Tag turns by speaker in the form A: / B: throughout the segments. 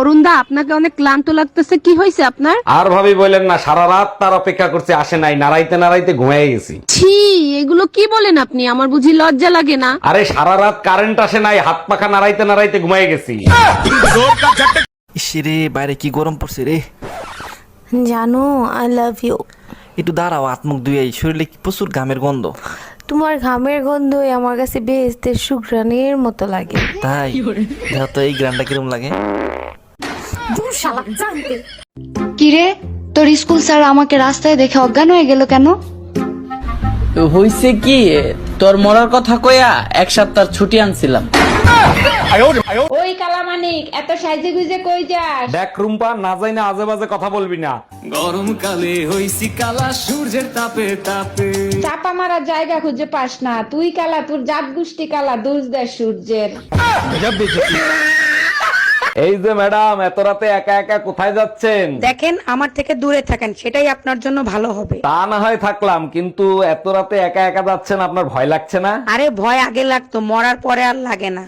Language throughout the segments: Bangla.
A: অরুণ দা, আপনাকে অনেক ক্লান্ত লাগতেছে, কি হয়েছে আপনার?
B: আর ভাবি বললেন না, সারা রাত তার অপেক্ষা করছে, আসে নাই, নাড়াইতে নাড়াইতে ঘুমিয়ে গেছি।
A: ছি, এগুলো কি বলেন আপনি? আমার বুঝি লজ্জা লাগে না?
B: আরে সারা রাত কারেন্ট আসে নাই, হাত পাখা নাড়াইতে নাড়াইতে ঘুমিয়ে গেছি।
C: ইসরে বাইরে কি গরম পড়ছে রে।
D: জানো আই লাভ ইউ।
C: একটু দাঁড়াও, আত্মুখ ধুয়ে শরীরে প্রচুর ঘামের গন্ধ।
D: তোমার ঘামের গন্ধই আমার কাছে বেহেশতের সুঘ্রাণের মতো লাগে।
C: তাই দেখো তো এই গ্রানটা কিরম লাগে।
E: কিরে, তোর স্কুল স্যার আমাকে রাস্তায় দেখে অজ্ঞান হয়ে গেল কেন?
F: হইছে কি, তোর মরার কথা কইয়া 1 সপ্তাহ ছুটি আনছিলাম।
G: ওই কালামানিক, এত সাইজে গুজে কই যাস?
B: দেখ রুম্পা, না যাই না আজে বাজে কথা বলবি না।
H: গরমকালে হইছি কালা সূর্যের তাপে তাপে।
G: চাপা মারার জায়গা খুঁজে পাস না, তুই কালা, তোর জাত গোষ্ঠী কালা, দোষ দেয় সূর্যের।
B: এই যে ম্যাডাম, এত রাতে একা একা কোথায় যাচ্ছেন?
I: দেখেন, আমার থেকে দূরে থাকেন, সেটাই আপনার জন্য ভালো হবে।
B: তা না হয় থাকলাম, কিন্তু এত রাতে একা একা যাচ্ছেন, আপনার ভয় লাগছে না?
I: আরে ভয় আগে লাগতো, মরার পরে আর লাগে না।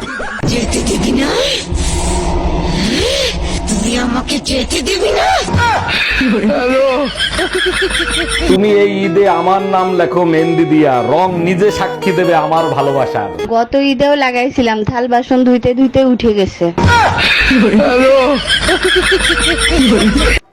B: তুমি এই ঈদে আমার নাম লেখো মেহেন্দি দিয়া, রং নিজে সাক্ষী দেবে আমার ভালোবাসার।
E: গত ঈদেও লাগাইছিলাম, থাল বাসন ধুইতে ধুইতে উঠে গেছে।